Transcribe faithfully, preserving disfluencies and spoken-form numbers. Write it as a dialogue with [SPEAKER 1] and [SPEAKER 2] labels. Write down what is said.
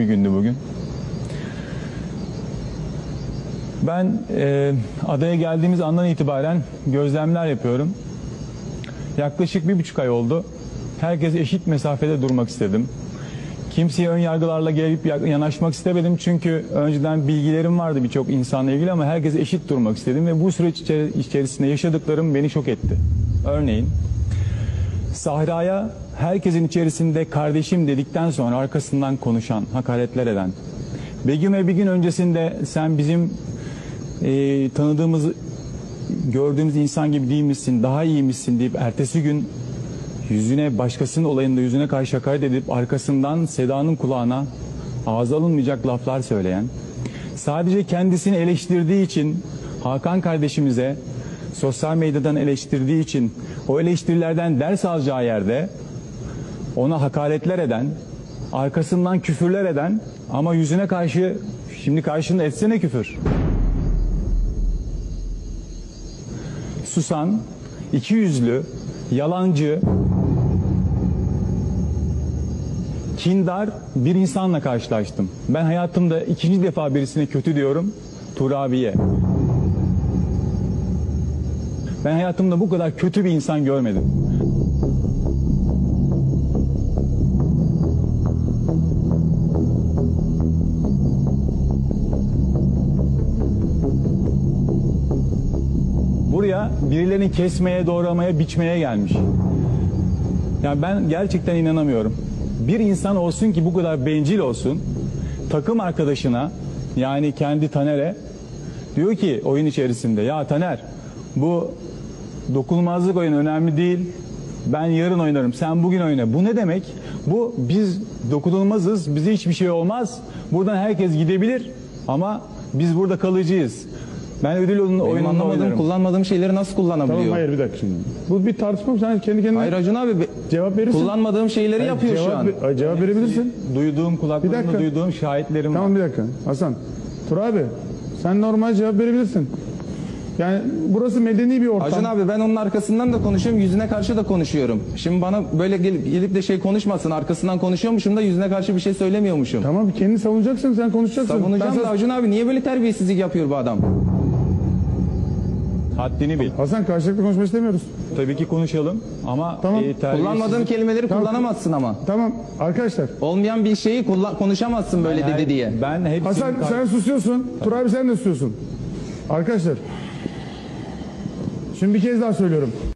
[SPEAKER 1] gündü bugün. Ben e, adaya geldiğimiz andan itibaren gözlemler yapıyorum. Yaklaşık bir buçuk ay oldu. Herkes eşit mesafede durmak istedim. Kimseye ön yargılarla gelip yanaşmak istemedim. Çünkü önceden bilgilerim vardı birçok insanla ilgili ama herkes eşit durmak istedim. Ve bu süreç içerisinde yaşadıklarım beni şok etti. Örneğin Sahra'ya herkesin içerisinde kardeşim dedikten sonra arkasından konuşan, hakaretler eden, Begüm'e bir gün öncesinde sen bizim e, tanıdığımız, gördüğümüz insan gibi değil misin, daha iyi misin deyip ertesi gün yüzüne, başkasının olayında yüzüne karşı hakaret edip arkasından Seda'nın kulağına ağza alınmayacak laflar söyleyen, sadece kendisini eleştirdiği için Hakan kardeşimize sosyal medyadan eleştirdiği için o eleştirilerden ders alacağı yerde ona hakaretler eden, arkasından küfürler eden ama yüzüne karşı, şimdi karşında etsene küfür, susan, ikiyüzlü, yalancı, kindar bir insanla karşılaştım. Ben hayatımda ikinci defa birisine kötü diyorum, Turabi'ye. Ben hayatımda bu kadar kötü bir insan görmedim. Buraya birilerini kesmeye, doğramaya, biçmeye gelmiş. Yani ben gerçekten inanamıyorum. Bir insan olsun ki bu kadar bencil olsun, takım arkadaşına, yani kendi Taner'e diyor ki oyun içerisinde, ya Taner bu dokunulmazlık oyunu önemli değil, ben yarın oynarım, sen bugün oyna. Bu ne demek? Bu, biz dokunulmazız, bize hiçbir şey olmaz, buradan herkes gidebilir ama biz burada kalıcıyız. Ben ödül oyununu oynarım.
[SPEAKER 2] Anlamadığım, kullanmadığım şeyleri nasıl kullanabiliyor?
[SPEAKER 3] Tamam, hayır bir dakika şimdi. Bu bir tartışma, sen kendi kendine...
[SPEAKER 2] Hayır Acun abi,
[SPEAKER 3] cevap verirsin.
[SPEAKER 2] Kullanmadığım şeyleri
[SPEAKER 3] hayır,
[SPEAKER 2] yapıyor
[SPEAKER 3] cevap,
[SPEAKER 2] şu an.
[SPEAKER 3] Cevap verebilirsin.
[SPEAKER 1] Duyduğum, kulaklarımda duyduğum şahitlerim
[SPEAKER 3] tamam,
[SPEAKER 1] var.
[SPEAKER 3] bir dakika. Hasan, Tur abi, sen normal cevap verebilirsin. Yani burası medeni bir ortam.
[SPEAKER 2] Acun abi, ben onun arkasından da konuşuyorum, yüzüne karşı da konuşuyorum. Şimdi bana böyle gelip, gelip de şey konuşmasın, arkasından konuşuyormuşum da yüzüne karşı bir şey söylemiyormuşum.
[SPEAKER 3] Tamam, kendini savunacaksın, sen konuşacaksın.
[SPEAKER 2] Savunacağım
[SPEAKER 3] ben
[SPEAKER 2] da Acun abi, niye böyle terbiyesizlik yapıyor bu adam?
[SPEAKER 1] Haddini bil.
[SPEAKER 3] Hasan, karşılıklı konuşmak istemiyoruz.
[SPEAKER 1] Tabii ki konuşalım ama
[SPEAKER 3] Tamam.
[SPEAKER 1] e,
[SPEAKER 2] Kullanmadığım kelimeleri
[SPEAKER 3] Tamam.
[SPEAKER 2] kullanamazsın ama.
[SPEAKER 3] Tamam, arkadaşlar.
[SPEAKER 2] Olmayan bir şeyi kullan konuşamazsın böyle
[SPEAKER 1] Yani
[SPEAKER 2] dedi diye.
[SPEAKER 1] Ben hepsini...
[SPEAKER 3] Hasan, sen susuyorsun. Tur abi, sen de susuyorsun. Arkadaşlar. Şimdi bir kez daha söylüyorum.